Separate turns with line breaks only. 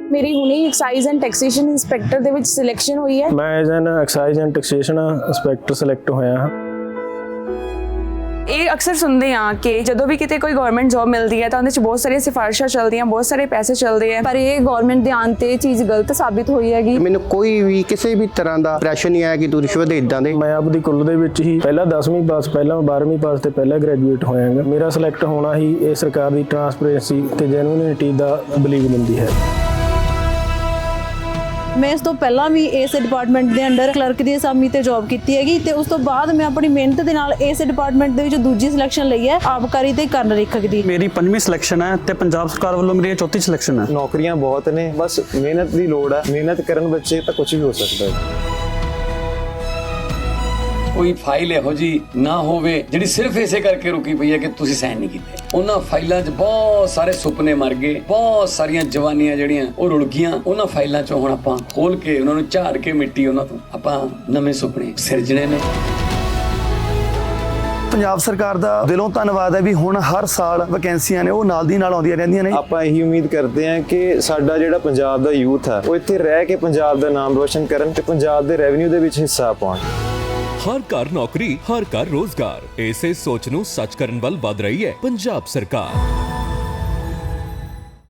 ਮੇਰੀ ਹੁਣੇ exercise and taxation inspector ਦੇ ਵਿੱਚ ਸਿਲੈਕਸ਼ਨ ਹੋਈ ਹੈ।
ਮੈਂ as an excise and taxation inspector select ਹੋਇਆ ਹਾਂ।
ਇਹ ਅਕਸਰ ਸੁਣਦੇ ਆ ਕਿ ਜਦੋਂ ਵੀ ਕਿਤੇ ਕੋਈ ਗਵਰਨਮੈਂਟ ਜੌਬ ਮਿਲਦੀ ਹੈ ਤਾਂ ਉਹਦੇ 'ਚ ਬਹੁਤ ਸਾਰੀਆਂ ਸਿਫਾਰਿਸ਼ਾਂ ਚੱਲਦੀਆਂ, ਬਹੁਤ ਸਾਰੇ ਪੈਸੇ ਚੱਲਦੇ ਆ, ਪਰ ਇਹ ਗਵਰਨਮੈਂਟ ਦੇ ਆਉਣ ਤੇ ਇਹ ਚੀਜ਼ ਗਲਤ ਸਾਬਿਤ ਹੋਈ ਹੈਗੀ।
ਮੈਨੂੰ ਕੋਈ ਵੀ ਕਿਸੇ ਵੀ ਤਰ੍ਹਾਂ ਦਾ ਪ੍ਰੈਸ਼ਰ ਨਹੀਂ ਆਇਆ ਕਿ ਤੂੰ ਰਿਸ਼ਵਤ ਦੇ ਇਦਾਂ ਦੇ।
ਮੈਂ ਆਪਦੀ ਕੁੱਲ ਦੇ ਵਿੱਚ ਹੀ ਪਹਿਲਾਂ 10ਵੀਂ ਪਾਸ, ਪਹਿਲਾਂ 12ਵੀਂ ਪਾਸ ਤੇ ਪਹਿਲਾਂ ਗ੍ਰੈਜੂਏਟ ਹੋਇਆਗਾ। ਮੇਰਾ ਸਿਲੈਕਟ ਹੋਣਾ ਹੀ ਇਹ ਸਰਕਾਰ ਦੀ ਟਰਾਂਸਪੇਰੈਂਸੀ ਤੇ ਜੈਨੂਇਨਿਟੀ ਦਾ ਬਲੀਵ ਦਿੰਦੀ ਹੈ।
ਮੈਂ ਇਸ ਤੋਂ ਪਹਿਲਾਂ ਵੀ ਇਸ ਡਿਪਾਰਟਮੈਂਟ ਦੇ ਅੰਡਰ ਕਲਰਕ ਦੀ ਅਸਾਮੀ ਤੇ ਜੌਬ ਕੀਤੀ ਹੈਗੀ ਤੇ ਉਸ ਤੋਂ ਬਾਅਦ ਮੈਂ ਆਪਣੀ ਮਿਹਨਤ ਦੇ ਨਾਲ ਇਸ ਡਿਪਾਰਟਮੈਂਟ ਦੇ ਵਿੱਚ ਦੂਜੀ ਸਿਲੈਕਸ਼ਨ ਲਈ ਹੈ, ਆਬਕਾਰੀ ਤੇ ਕਰਨ ਰਿਖਕ ਦੀ।
ਮੇਰੀ 5ਵੀਂ ਸਿਲੈਕਸ਼ਨ ਹੈ ਤੇ ਪੰਜਾਬ ਸਰਕਾਰ ਵੱਲੋਂ ਮੇਰੀ 4ਥੀ ਸਿਲੈਕਸ਼ਨ ਹੈ।
ਨੌਕਰੀਆਂ ਬਹੁਤ ਨੇ, ਬਸ ਮਿਹਨਤ ਦੀ ਲੋੜ ਹੈ। ਮਿਹਨਤ ਕਰਨ ਬੱਚੇ ਤਾਂ ਕੁਝ ਵੀ ਹੋ ਸਕਦਾ ਹੈ।
ਕੋਈ ਫਾਈਲ ਇਹੋ ਜੀ ਨਾ ਹੋਵੇ ਜਿਹੜੀ ਸਿਰਫ ਇਸੇ ਕਰਕੇ ਰੁਕੀ ਪਈ ਹੈ ਕਿ ਤੁਸੀਂ ਸਾਈਨ ਨਹੀਂ ਕੀਤੇ। ਉਹਨਾਂ ਫਾਈਲਾਂ 'ਚ ਬਹੁਤ ਸਾਰੇ ਸੁਪਨੇ ਮਰ ਗਏ, ਬਹੁਤ ਸਾਰੀਆਂ ਜਵਾਨੀਆਂ ਜਿਹੜੀਆਂ ਉਹ ਰੁਲ ਗਈਆਂ। ਉਹਨਾਂ ਫਾਈਲਾਂ 'ਚੋਂ ਹੁਣ ਆਪਾਂ ਖੋਲ ਕੇ ਉਹਨਾਂ ਨੂੰ ਝਾੜ ਕੇ ਮਿੱਟੀ ਉਹਨਾਂ ਤੋਂ ਆਪਾਂ ਨਵੇਂ ਸੁਪਨੇ ਸਿਰਜਣੇ ਨੇ।
ਪੰਜਾਬ ਸਰਕਾਰ ਦਾ ਦਿਲੋਂ ਧੰਨਵਾਦ ਹੈ ਵੀ ਹੁਣ ਹਰ ਸਾਲ ਵੈਕੈਂਸੀਆਂ ਨੇ ਉਹ ਨਾਲ ਦੀ ਨਾਲ ਆਉਂਦੀਆਂ ਰਹਿੰਦੀਆਂ ਨੇ।
ਆਪਾਂ ਇਹੀ ਉਮੀਦ ਕਰਦੇ ਹਾਂ ਕਿ ਸਾਡਾ ਜਿਹੜਾ ਪੰਜਾਬ ਦਾ ਯੂਥ ਹੈ ਉਹ ਇੱਥੇ ਰਹਿ ਕੇ ਪੰਜਾਬ ਦਾ ਨਾਮ ਰੋਸ਼ਨ ਕਰਨ ਤੇ ਪੰਜਾਬ ਦੇ ਰੈਵਨਿਊ ਦੇ ਵਿੱਚ ਹਿੱਸਾ ਪਾਉਣ।
ਹਰ ਘਰ ਨੌਕਰੀ, ਹਰ ਘਰ ਰੋਜ਼ਗਾਰ, ਇਸੇ ਸੋਚ ਨੂੰ ਸੱਚ ਕਰਨ ਵੱਲ ਵਧ ਰਹੀ ਹੈ ਪੰਜਾਬ ਸਰਕਾਰ।